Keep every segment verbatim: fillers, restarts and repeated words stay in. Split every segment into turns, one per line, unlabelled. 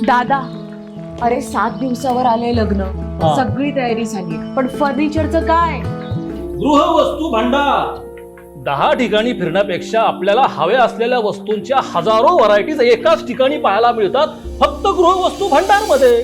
दादा, अरे सात दिवसावर आले लग्न,
हा.
सगळी तयारी झाली, पण फर्निचरचं काय?
गृहवस्तू भांडार. दहा ठिकाणी फिरण्यापेक्षा आपल्याला हव्या असलेल्या वस्तूंच्या हजारो व्हरायटीज एकाच ठिकाणी पाहायला मिळतात, फक्त गृहवस्तू भांडार मध्ये.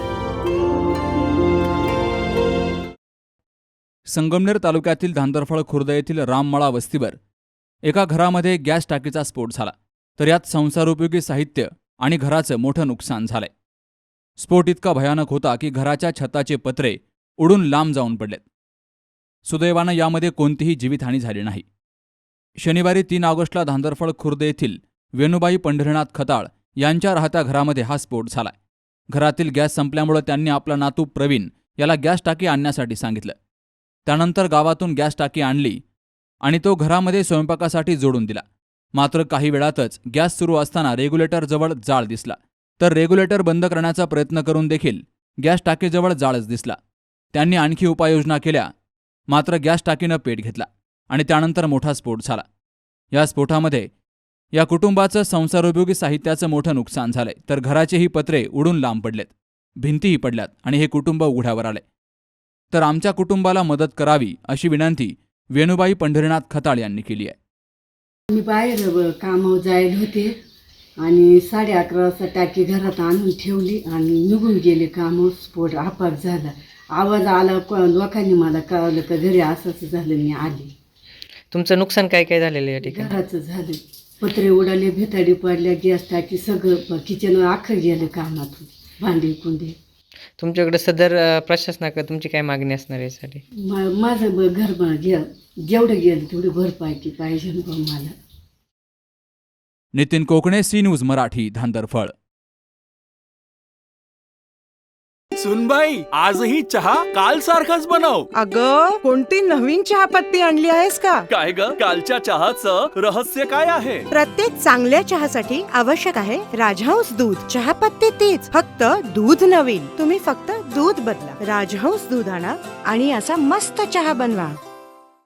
संगमनेर तालुक्यातील धांदरफळ खुर्द येथील राममळा वस्तीवर एका घरामध्ये गॅस टाकीचा स्फोट झाला, तर यात संसारोपयोगी साहित्य आणि घराचं मोठं नुकसान झालंय. स्फोट इतका भयानक होता की घराच्या छताचे पत्रे उडून लांब जाऊन पडलेत. सुदैवानं यामध्ये कोणतीही जीवितहानी झाली नाही. शनिवारी तीन ऑगस्टला धांदरफळ खुर्द येथील वेणुबाई पंढरीनाथ खताळ यांच्या राहत्या घरामध्ये हा स्फोट झालाय. घरातील गॅस संपल्यामुळे त्यांनी आपला नातू प्रवीण याला गॅस टाकी आणण्यासाठी सांगितलं. त्यानंतर गावातून गॅस टाकी आणली आणि तो घरामध्ये स्वयंपाकासाठी जोडून दिला. मात्र काही वेळातच गॅस सुरू असताना रेग्युलेटरजवळ जाळ दिसला, तर रेग्युलेटर बंद करण्याचा प्रयत्न करून देखील गॅस टाकीजवळ जाळच दिसला. त्यांनी आणखी उपाययोजना केल्या, मात्र गॅस टाकीनं पेट घेतला आणि त्यानंतर मोठा स्फोट झाला. या स्फोटामध्ये या कुटुंबाचं संसारोपयोगी साहित्याचं मोठं नुकसान झालंय, तर घराचेही पत्रे उडून लांब पडलेत, भिंतीही पडल्यात आणि हे कुटुंब उघड्यावर आले. तर आमच्या कुटुंबाला मदत करावी अशी विनंती वेणुबाई पंढरीनाथ खताळ यांनी केली आहे.
मी बाहेर कामावर जायला होते आणि साडे अकरा वाजता टाकी घरात आणून ठेवली आणि निघून गेले कामावर. स्फोट आपाप झाला, आवाज आला, लोकांनी मला कळवलं का घरी असंच झालं. मी आली.
तुमचं नुकसान काय काय झालेलं या ठिकाणी?
घराचं झालं, पत्रे उडाले, भिताडी पडल्या, गॅस टाकी सगळं किचन अख्खं गेलं कामातून, भांडी कुंडी.
तुमच्याकडे सदर अ, प्रशासनाकडे तुमची काय मागणी असणार आहे यासाठी?
मा माझं ब- घर ब- गे जेवढं गेलं तेवढी भरपाई की पाहिजे ना बा मला.
नितीन कोकणे, सी न्यूज मराठी, धांदरफळ.
सुनबाई, आजही चहा काल सारखाच बनव.
अग, कोणती नवीन चहापत्ती आणली आहेस का?
काय ग, कालच्या चहाचं रहस्य काय आहे?
प्रत्येक चांगल्या चहासाठी आवश्यक आहे राजहंस दूध. चहापत्ती तीच, फक्त दूध नवीन. तुम्ही फक्त दूध बदला. राजहंस दूध आणा आणि असा मस्त चहा बनवा.